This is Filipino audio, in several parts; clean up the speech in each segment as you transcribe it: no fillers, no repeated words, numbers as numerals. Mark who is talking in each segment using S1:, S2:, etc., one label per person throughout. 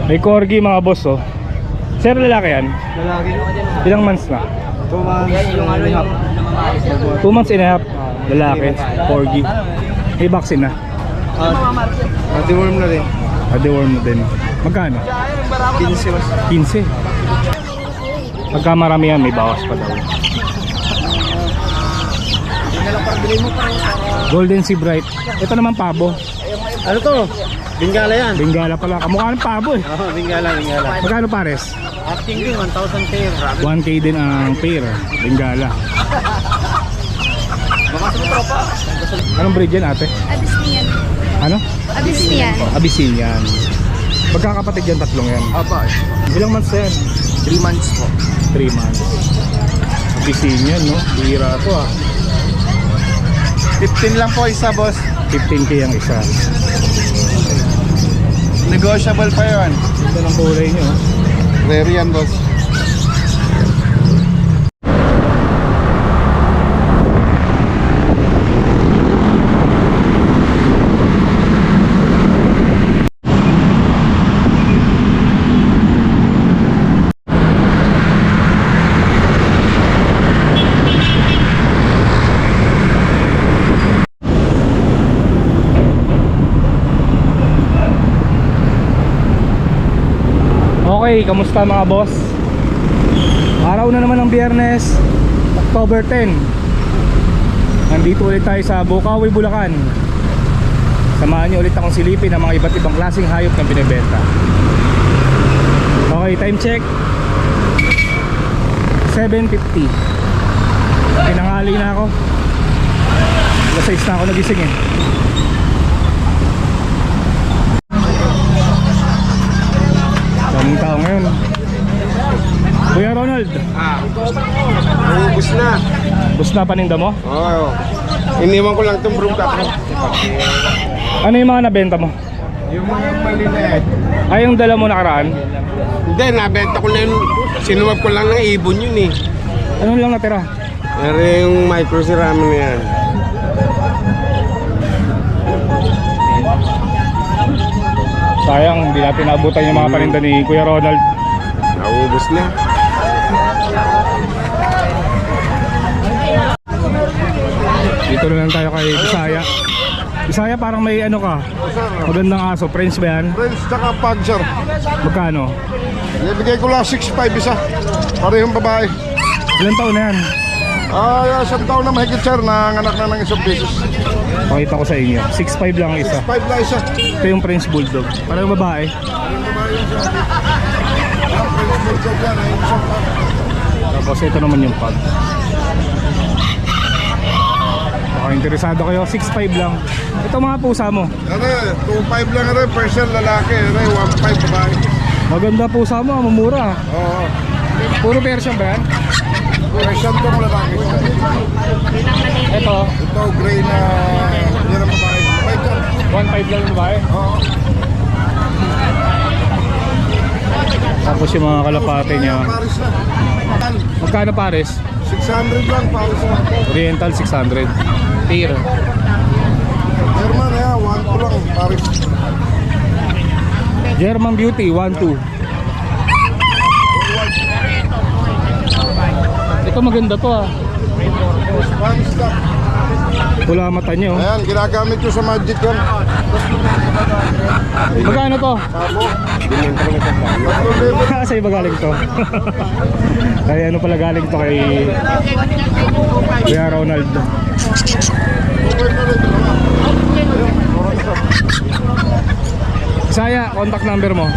S1: May corgi mga boss oh. Sir, lalaki yan?
S2: Lalaki.
S1: Ilang months na?
S2: 2 months. Yung ano yung
S1: 2 months and a half. Lalaki, corgi. May vaccine na?
S2: deworm na rin.
S1: Deworm na din. Magkano?
S2: 15 mas.
S1: 15. Pagka marami yan, may bawas pa daw. Golden Sea Bright. Ito naman pabo.
S2: Ano to? Bingala yan.
S1: Bengala pala. Kamukha ng pabo eh.
S2: Oo, bingala.
S1: Magkano pares?
S2: Asking din, 1,000 pair.
S1: 1K din ang pair. Bengala.
S2: Baka sa tropa.
S1: Anong breed yan ate?
S3: Abyssinian.
S1: Ano?
S3: Abyssinian.
S1: Abyssinian. Magkakapatid yan, tatlong yan.
S2: Apa.
S1: Ilang months na yan?
S2: 3 months po.
S1: 3 months. Abyssinian no? Bihira to ah.
S2: 15 lang po isa, boss.
S1: 15K ang isa.
S2: Negotiable pa yun.
S1: Ito ng kulay nyo.
S2: Rare yan, boss.
S1: Okay, kamusta mga boss? Araw na naman ng Biyernes, October 10. Nandito ulit tayo sa Bukawi, Bulacan. Samahan niyo ulit akong silipin ang mga iba't ibang klaseng hayop na binibenta. Okay, time check 7:50. Pinanghali na ako. Alas 6 na ako nagising eh. Daming tao ngayon. Kuya Ronald,
S2: Ubus na.
S1: bus na paninda mo?
S2: Oo. Iniwan ko lang itong broom cup.
S1: Ano yung mga nabenta mo?
S2: Yung mga maliliit.
S1: Ay, yung dala mo nakaraan?
S2: Hindi, nabenta ko na yun. Sinuwag ko lang ng ibon yun eh.
S1: Ano lang natira?
S2: Pero yung micro ceramic na yan.
S1: Sayang, hindi natin naabutan yung mga paninda ni Kuya Ronald.
S2: Naubos na.
S1: Dito na lang tayo kay Bisaya. Bisaya, parang may ano ka, magandang aso. French ba yan?
S4: Friends, tsaka Panther.
S1: Magkano?
S4: Ibigay ko lang 6'5" isa. Parehong babae.
S1: Ilan taon na yan?
S4: Isang taon na mahigit sir, nanganak na ng isang beses.
S1: Pakita ko sa inyo. 6'5 lang ang isa.
S4: 5 lang isa.
S1: Ito yung French Bulldog. Parang babae. Tapos ito naman yung pug. Baka interesado kayo, 6'5 lang. Ito mga pusa mo.
S4: Ano, 2'5" lang rin, Persian lalaki, 1'5" babae.
S1: Maganda pusa mo, mamura.
S4: Oo.
S1: Puro Persian ba yan?
S4: Persian tong lalaki.
S1: Ito,
S4: Ito, gray na, yan ang babae. 5
S1: 1'5 lang yung babae.
S4: Oo.
S1: Tapos yung mga kalapate niya.
S4: Paris na.
S1: Magkano pares?
S4: 600 lang, Paris na.
S1: Oriental 600. Tier.
S4: German, 1'2" lang, Paris.
S1: German Beauty 1'2". Ito maganda to ah.
S4: Paris na.
S1: Pula mata niyo.
S4: Ayan, ginagamit ko sa Magic yan.
S1: Magkano to?
S4: Sabo.
S1: Sa'yo ba galing to? Kaya ano pala galing to kay Kuya Ronald. Saya, contact number mo.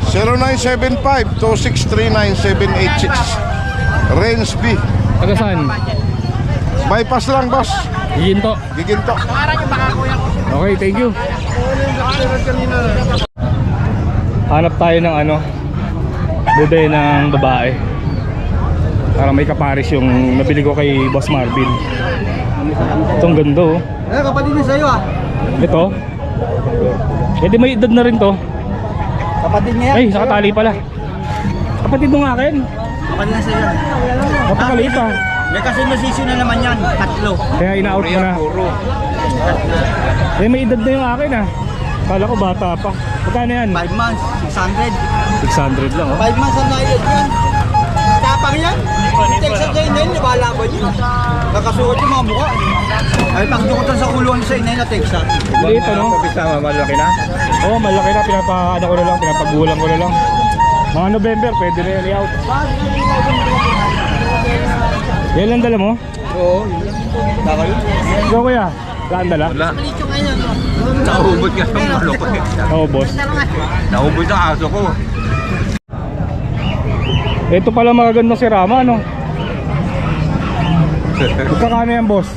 S4: 0975-2639786. Range B.
S1: Taga saan?
S4: Bypass lang, boss.
S1: Ginto.
S4: Giginto.
S1: Okay, thank you. Hanap tayo ng ano, bude ng babae. Para may kaparis yung nabili ko kay Boss Marvin. Itong ganda oh.
S2: Kapatid niya sa'yo ah.
S1: Ito. Eh di may edad na rin to.
S2: Kapatid niya
S1: Ay, nakatali pala. Kapatid mo nga akin.
S2: Kapatid niya sa'yo.
S1: Napakaliit ah.
S2: May kasi nasisi na naman yan. 3.
S1: Kaya ina-out mo na. Eh may edad na yung akin ah. Kala ko bata pa. Magkano yan?
S2: 5 months, 600.
S1: 600 lang oh.
S3: 5 months ang nailad yan. Tapang yan. Texas sa inayin, nabalaban yun. Kakasuot yung mga mukha. Ay, pagdukutan sa kulungan sa inayin na Texas.
S1: Dito no?
S2: Kabisama, malaki na.
S1: Oo, malaki na. Ano ko na lang, pinapagulang ko na lang. Mga November, pwede na yan i-out. Yan lang dala mo?
S3: Oo. Baka yun.
S1: Go kuya, saan dala?
S2: Wala. Naubod ka ng manok ko.
S1: Oo boss.
S2: Naubod ang aso ko.
S1: Ito pala magagandang si Rama, no? Magkakano yan, boss?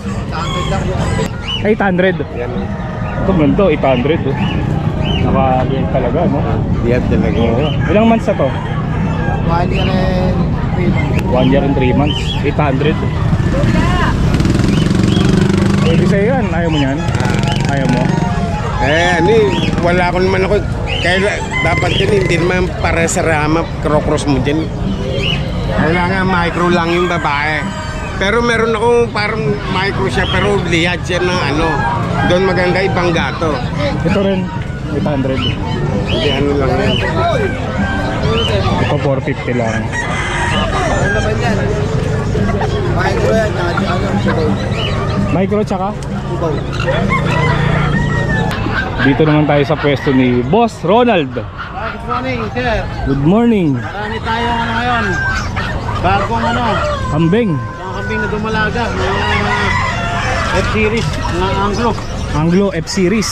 S1: 800.
S2: Yan.
S1: Ito ganito, 800. Oh. Naka-yan talaga, no?
S2: Yan talaga.
S1: Oo. Ilang months na to?
S3: 1 year and 3 months.
S1: 1 year and 3 months. 800. Pwede sa'yo yan. Ayaw mo yan? Ayaw mo?
S2: Wala ko naman ako. Kaya dapat yun, hindi naman para sa rama, cross mo dyan. Kailangan micro lang yung babae. Pero meron akong parang micro siya, pero liyad siya ng ano. Doon maganda ibang gato.
S1: Ito rin, 800.
S2: Hindi ano lang yan.
S1: Ito 450 lang.
S3: Ano naman yan? Micro yan. Ano? Subaw.
S1: Micro tsaka?
S3: Subaw.
S1: Dito naman tayo sa pwesto ni Boss Ronald.
S3: Good morning, sir.
S1: Good morning.
S3: Marami tayong ano ngayon. Bagong ano.
S1: Kambing.
S3: Mga kambing na dumalaga. Mga F-series. Mga Anglo.
S1: Anglo F-Series.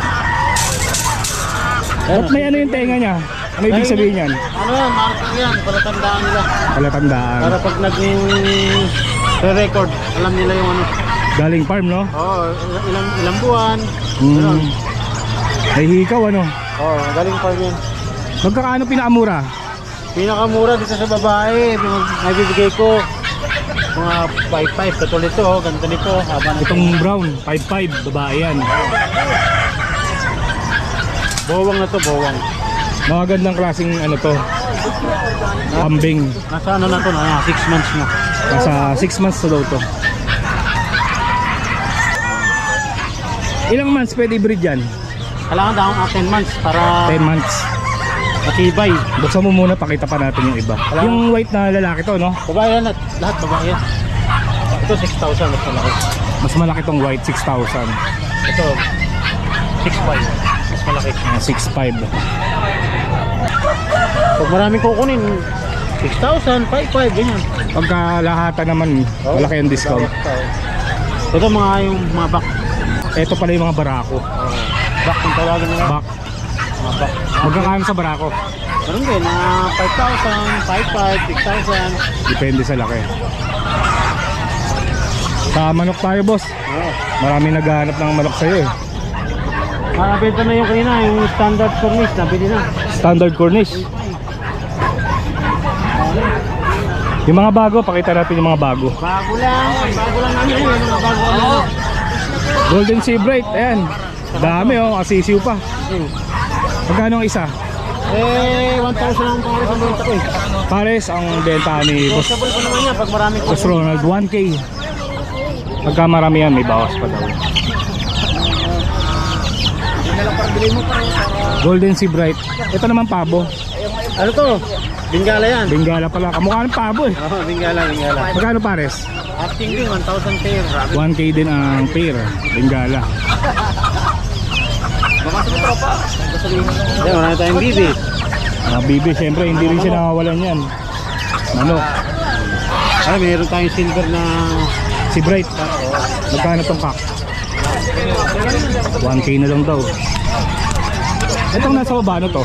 S1: Ba't may ano yung tenga niya? Ano ibig sabihin yan?
S3: Ano yan? Marker yan. Palatandaan nila.
S1: Palatandaan.
S3: Para pag nag-record, alam nila yung ano.
S1: Galing farm, no?
S3: Oo, ilang buwan. Ganun.
S1: May hikaw, ano?
S3: Oo, galing farm yan.
S1: Magkakaano pinakamura?
S3: Pinakamura dito sa babae, naibibigay ko mga 5.5 katulad ito, ganito nito, haba nito.
S1: Itong brown, 5.5, babae yan.
S3: Bowang na to, bowang.
S1: Mga gandang klaseng ano to, kambing.
S3: Nasa ano na to, 6 months na.
S1: Nasa 6 months na daw to. Ilang months pwede i-breed yan?
S3: Kailangan daw 10 months para
S1: 10 months.
S3: matibay.
S1: Buksan mo muna, pakita pa natin yung iba. Yung white na lalaki to, no?
S3: Babae yan, lahat babae yan. Ito 6,000 mas malaki.
S1: Mas malaki tong white, 6,000.
S3: Ito 6.5 mas malaki.
S1: 6.5.
S3: Pag maraming kukunin 6,000, 5.5 ganyan.
S1: Pagka lahatan naman, malaki ang discount.
S3: Ito mga yung mga back.
S1: Ito pala yung mga barako.
S3: Back kung tawagin nila.
S1: Back.
S3: Mga back.
S1: Magkakaano sa barako?
S3: Meron din, 5,000, 5,500, 6,000.
S1: Depende sa laki. Sa manok tayo, boss. Marami naghahanap ng manok sa'yo eh.
S3: Nakabenta na yung kanina, yung standard cornice, nabili na.
S1: Standard Cornish. Yung mga bago, pakita natin yung mga bago.
S3: Bago lang namin yun, yung bago ano.
S1: Golden Sea Bright, ayan. Dami oh, asisiw pa. Magkano ang isa?
S3: 1,000 ang pangalas ang benta ko eh.
S1: Pares ang benta ni Boss,
S3: Possible pa naman yan pag marami ko.
S1: Boss Ronald, 1K. Pagka marami yan, may bawas pa daw. Golden Sea Bright. Ito naman pabo.
S3: Ano to? Bingala yan.
S1: Bengala pala. Kamukha ng pabo eh.
S3: Oo, bingala.
S1: Magkano pares?
S3: Asking din, 1,000 pair.
S1: 1K din ang pair. Bengala.
S3: Ayan, marami tayong bibi.
S1: Mga bibi, syempre hindi rin siya nakawalan yan. Ano?
S3: Ay, mayroon tayong silver na
S1: Si Bright. Magkano tong kak? 1K na lang daw. Itong nasa baba, ano to?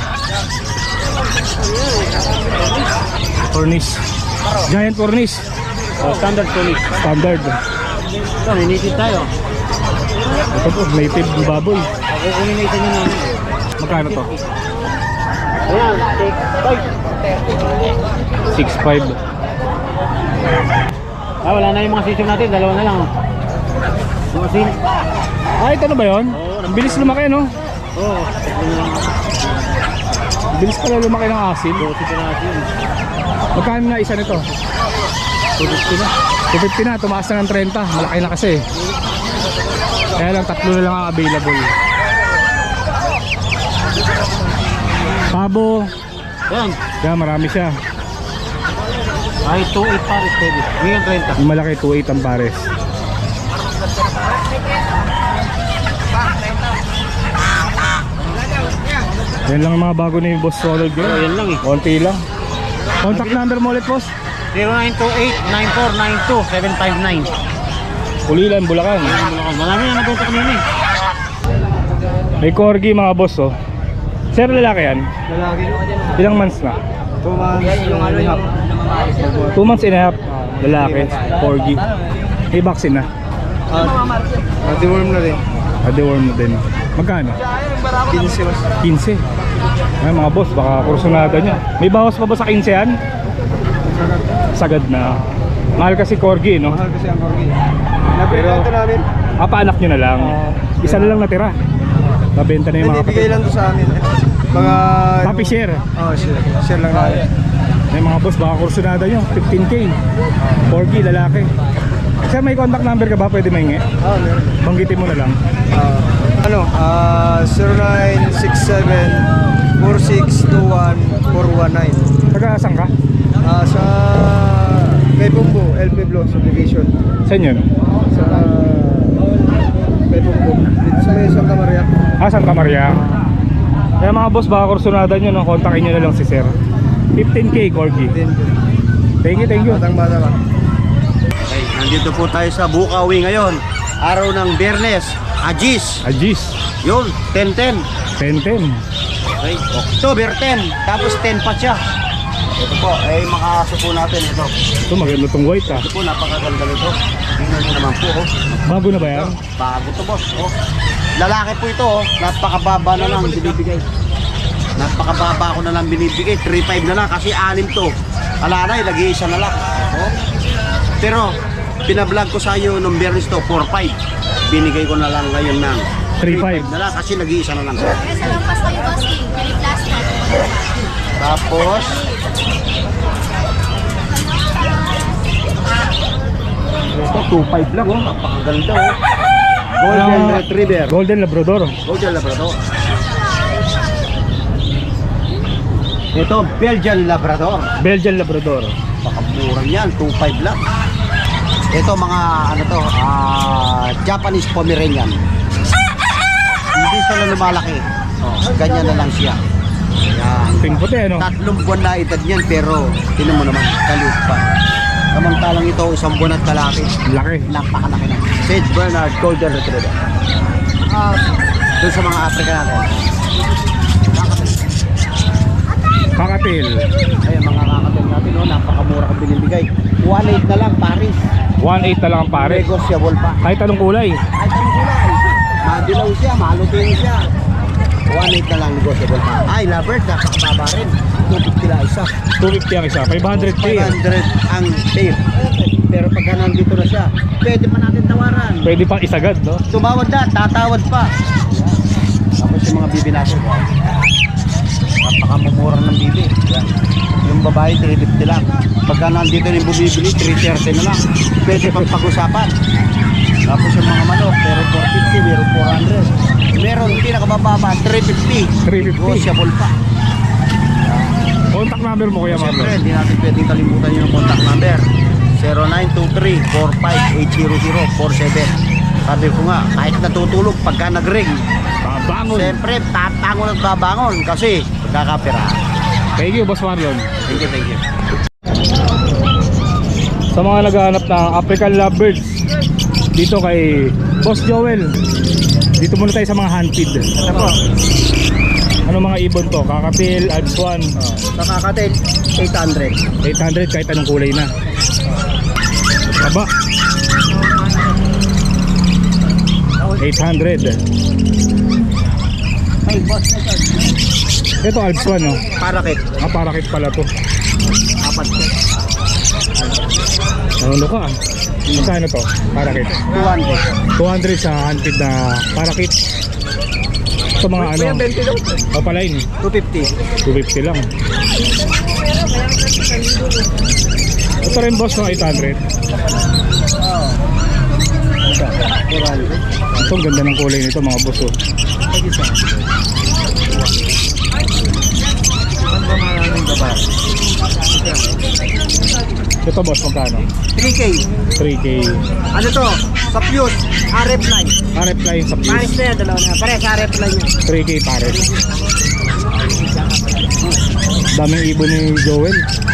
S1: Cornish. Giant Cornish.
S3: standard cornice.
S1: Standard.
S3: Ito, ninitid tayo.
S1: Ito po, native baboy.
S3: Kukunin na isa nyo namin.
S1: Magkano to?
S3: Ayan,
S1: 6.5.
S3: 6.5. Wala na yung mga sisyo natin, dalawa na lang. Yung asin.
S1: Ito na ba yun? Ang bilis lumaki, no?
S3: Oo.
S1: Ang bilis pala lumaki ng asin.
S3: Dosi pa natin.
S1: Magkano na isa nito? 250 na. 250 na, tumaas na ng 30. Malaki na kasi. Kaya lang, 3 na lang ang available. Pabo,
S3: Yan.
S1: Kaya marami siya.
S3: Ay, 2.8 pares, baby. Ngayon 30.
S1: Yung malaki 2.8 ang pares. Yan lang ang mga bago ni Boss Ronald Gray.
S3: Yan lang eh.
S1: Konti lang. Contact number mo ulit, boss.
S3: 0928-9492-759.
S1: Ulilan, Bulacan.
S3: Marami na nagpunta kanina eh.
S1: May corgi mga boss, oh. Sir, lalaki yan?
S3: Lalaki.
S1: Ilang months na?
S3: 2 months. Yung ano yung
S1: 2 months and a half. Lalaki, corgi. May vaccine na.
S3: deworm na rin.
S1: Deworm mo din. Magkano?
S3: 15 mas.
S1: 15. Ay, mga boss, baka kursunada nyo. May bawas pa ba sa 15 yan? Sagad na. Mahal kasi corgi, no?
S3: Mahal kasi ang corgi. Nabenta namin.
S1: Paanak nyo na lang. Isa na lang natira. Nabenta na yung mga
S3: Bigay lang to sa amin. Mga...
S1: Happy share.
S3: Oh, share lang namin.
S1: May mga boss, baka kursunada nyo. 15K. Corgi, lalaki. Sir, may contact number ka ba? Pwede maingi?
S3: Meron.
S1: Banggitin mo na lang.
S3: 0967-4621-419.
S1: Taga-asan ka?
S3: Sa Kay Bumbo, LP Block Subdivision.
S1: Saan yun?
S3: Sa Kay Bumbo. Dito sa may Santa Maria.
S1: Santa Maria. Kaya mga boss, baka kursunada nyo, no? Kontakin nyo na lang si Sir. 15K, Corgi. Thank you.
S3: Batang-bata ka. Okay, nandito po tayo sa Bukawi ngayon. Araw ng Biyernes. Agis.
S1: Agis.
S3: Yun, 10-10.
S1: 10-10.
S3: Okay, October 10. Tapos 10 pa siya. Ito po, ay makaso po natin ito.
S1: Ito, maganda tong white, ah.
S3: Ito po, napakaganda nito. Tingnan nyo naman po, oh.
S1: Bago na ba yan?
S3: Bago to, boss, oh. Lalaki po ito, oh. Napakababa na lang binibigay. Napakababa ko na lang binibigay. 3.5 na lang kasi 6 to. Alanay, lagi isa na lang. Oh. Pero, pinablog ko sa iyo nung Biyernes to, 4.5. Binigay ko na lang ngayon ng
S1: 3.5
S3: na lang kasi lagi isa na lang.
S5: Sa lampas kayo, bossing. May plastic.
S3: Tapos, ito 2.5 lang, oh. Napakaganda, oh. Golden Retriever.
S1: Golden Labrador.
S3: Golden Labrador. Ito, Belgian Labrador.
S1: Belgian Labrador.
S3: Pakamura niyan, 2.5 lang. Ito mga ano to, Japanese Pomeranian. Hindi sila lumalaki. Oh, ganyan na lang siya. Yan.
S1: Puting-puti, ano?
S3: 3 buwan na edad niyan pero tinan mo naman, kaliit pa. Samantalang ito, 1 buwan at kalaki.
S1: Laki.
S3: Napakalaki na. St. Bernard Golden Retriever. Doon sa mga Africa natin.
S1: Kakatil.
S3: Ayun, mga kakatil natin, no? Napakamura kang binibigay. 1.8 na lang, Paris.
S1: 1.8 na lang ang pare.
S3: Negotiable pa.
S1: Kahit anong kulay.
S3: Kahit anong kulay. Madilaw siya, malutin siya. 1.8 na lang negotiable pa. Ay, Labert, napakababa rin. 250 lang isa.
S1: 250 ang isa. 500K.
S3: 500 ang pair. Pero pagka nandito na siya, pwede pa natin tawaran.
S1: Pwede pang isagad, no?
S3: Tumawad na, tatawad pa. Tapos yung mga bibi natin. Napakamumura ng bibi. Yan. Yung babae, 350 lang. Pagka nandito yung bumibili, 330 na lang. Pwede pang pag-usapan. Tapos yung mga manok, meron 450, meron 400. Meron pinakamababa, 350.
S1: 350.
S3: Negotiable pa.
S1: Contact number mo, Kuya Marlon.
S3: Siyempre, hindi natin pwedeng kalimutan yung contact number. 0923-45-800-47. Sabi ko nga, kahit natutulog, pagka nag-ring,
S1: Babangon.
S3: siyempre, tatangon at babangon kasi pagkakapira.
S1: Thank you, Boss Marlon.
S3: Thank you, thank you.
S1: Sa mga naghahanap ng African Lovebirds, dito kay Boss Joel. Dito muna tayo sa mga handfeed.
S3: Ito po,
S1: Ano mga ibon to? Kakatil, Alps 1.
S3: sa kakatil, 800.
S1: 800 kahit anong kulay na. Taba. 800.
S3: May boss na ito.
S1: Ito Alps 1, no?
S3: Parakit,
S1: Parakit pala to.
S3: 4 po.
S1: Ano ka? Magkano to? Parakit.
S3: 200.
S1: 200 sa handfeed na parakit. Ito mga ano? Papalain.
S3: 250.
S1: 250 lang. Ito rin boss ng 800. Ito ang ganda ng kulay nito mga boss, oh.
S3: yan.
S1: Ito boss, magkano?
S3: 3K.
S1: 3K.
S3: Ano to? Sa Fuse, RF line.
S1: RF line sa
S3: Pares
S1: Fuse.
S3: na yan, dalawa na. Pares, RF line yan.
S1: 3K pares. Daming ibon ni Joel.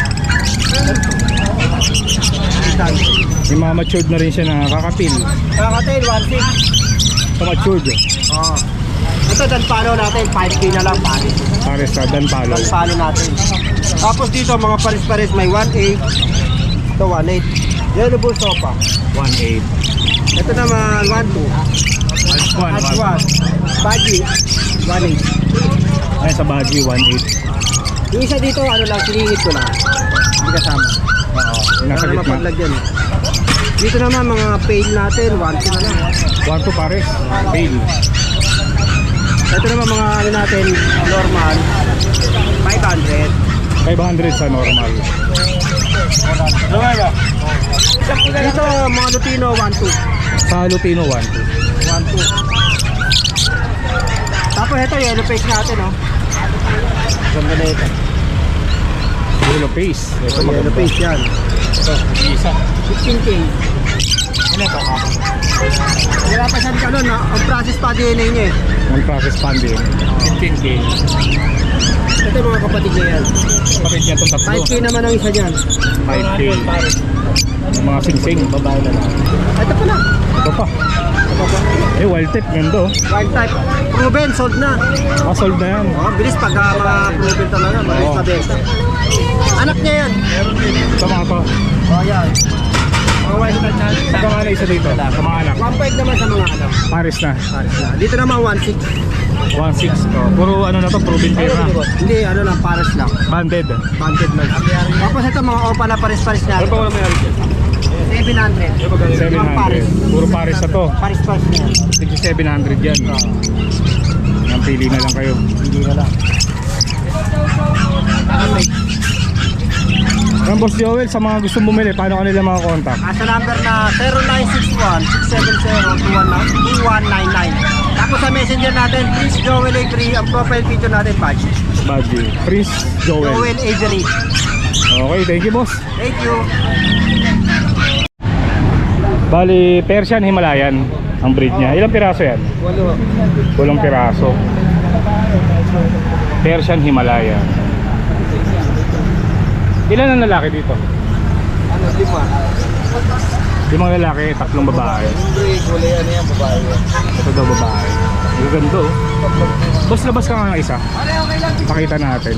S1: May mga matured na rin siya na kakapil.
S3: Kakatail, 1.6.
S1: Sa matured.
S3: Oo. Ito, danpalo natin, 5K na lang, pares.
S1: Pares na danpalo.
S3: Danpalo natin. Tapos dito, mga pares-pares, may 1.8. Ito, 1.8. Yellow bull sopa.
S1: 1.8.
S3: Ito naman, 1.2. At 1. Baji, 1.8.
S1: Ay, sa Baji, 1.8.
S3: Yung isa dito, ano lang, siningit ko lang. Hindi kasama.
S1: Oo. Yung nasa
S3: Wala na
S1: gitna.
S3: mapaglagyan. Dito naman, mga pail natin, 1.2 na lang.
S1: 1.2 pares. Pale.
S3: Ito naman mga ano natin, normal, 500.
S1: 500 sa normal.
S3: Dito, mga Lutino, 1.2.
S1: Sa Lutino, 1.2.
S3: 1.2. Tapos ito, yellow face natin, oh. Ganda na ito.
S1: Yellow face. Ito
S3: Yellow
S1: maganda.
S3: face yan.
S1: Ito, isa.
S3: 15K.
S1: Ano ito?
S3: Wala pa siyang kanon, ang process pa DNA niya eh.
S1: Non-process funding. 15K.
S3: Ito mga kapatid niya yan.
S1: Kapit niya itong tatlo.
S3: 5K naman ang isa niyan.
S1: 5K. Mga sing-sing. Babae na lang.
S3: Ito pala.
S1: Ito pa. Eh, wild type. Ganda oh.
S3: Wild type. Proven, sold na.
S1: Sold na yan.
S3: Oh, bilis pag mga proven talaga. Bilis
S1: Oo.
S3: mabenta. Anak niya yan.
S1: Ito mga to.
S3: Oh, yan. Mga wild type na.
S1: Ito mga na isa dito. Sa mga anak.
S3: 1.5 naman sa mga anak.
S1: Paris na.
S3: Pares na. Dito naman 1.6.
S1: 1.6. Oh. Puro ano na to. Proven pair na.
S3: Hindi, ano lang, pares lang.
S1: Banded.
S3: Banded man. Tapos ito mga opa na pares-pares na.
S1: Ano pa wala may
S3: 700.
S1: 700. Puro Paris na to.
S3: Pares-pares na yan.
S1: 6,700 yan. Ang pili na lang kayo.
S3: Hindi na lang.
S1: Ang Boss Joel, sa mga gusto bumili, paano kanila mga contact?
S3: Sa number na 0961-670-2199. Tapos sa messenger natin, please Joel Avery, ang profile picture natin, Patch.
S1: Badge. Prince Joel.
S3: Joel Avery.
S1: Okay, thank you boss.
S3: Thank you.
S1: Bali, Persian Himalayan ang breed niya. Ilang piraso yan? 8 piraso. Persian Himalayan. Ilan ang lalaki dito?
S3: Ano, 5.
S1: 5 lalaki, 3 babae.
S3: Kulay ano yan, babae.
S1: Ito daw babae. Ang ganda oh. Boss, labas ka nga ng isa. Pakita natin.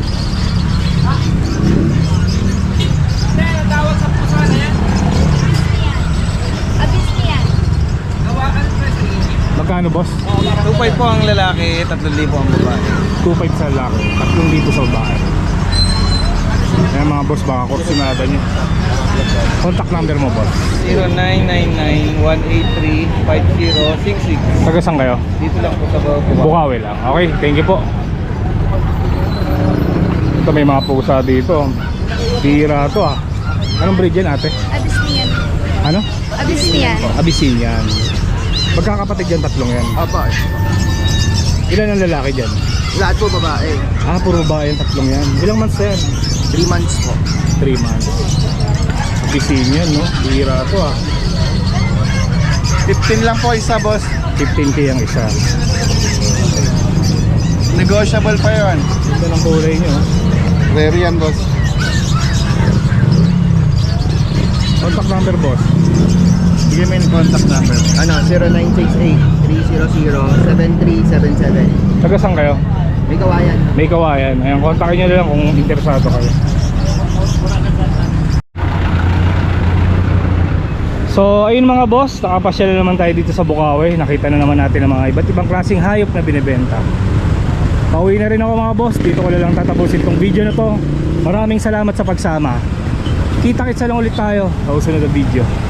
S5: Abisnian.
S1: Magkano boss?
S3: 2.5 po ang lalaki, 3,000 ang babae.
S1: 2.5 sa lalaki, 3,000 sa babae. Ayan mga boss, baka kursunada nyo. Contact number mo boss.
S3: 0999-183-5066.
S1: Taga saan kayo?
S3: Dito lang po sa
S1: Bukawi lang. Okay, thank you po. Ito may mga pusa dito. Tira to ah. Anong breed yan ate?
S5: Abisnian.
S1: Ano?
S5: Abisnian.
S1: Abyssinian. Magkakapatid yan, 3 yan.
S3: Aba,
S1: Ilan ang lalaki dyan?
S3: lahat po babae.
S1: Puro babae yung 3 yan. Ilang months na yan?
S3: 3 months po.
S1: 3 months. Abyssinian no? Tira to ah.
S3: 15 lang po isa, boss.
S1: 15K ang isa.
S3: Negotiable pa yun.
S1: Ito ng kulay nyo.
S3: Rare yan, boss.
S1: Contact number boss. Bigyan mo yung contact number.
S3: Ano, 0968-300-7377.
S1: Taga saan kayo?
S3: May kawayan.
S1: May kawayan. Ayan, kontakin nyo na lang kung interesado kayo. So ayun mga boss, nakapasyal na naman tayo dito sa Bukawi. Nakita na naman natin ang mga iba't ibang klaseng hayop na binibenta. Pauwi na rin ako mga boss. Dito ko na lang tatapusin tong video na to. Maraming salamat sa pagsama. Kita-kitsa lang ulit tayo sa susunod na video.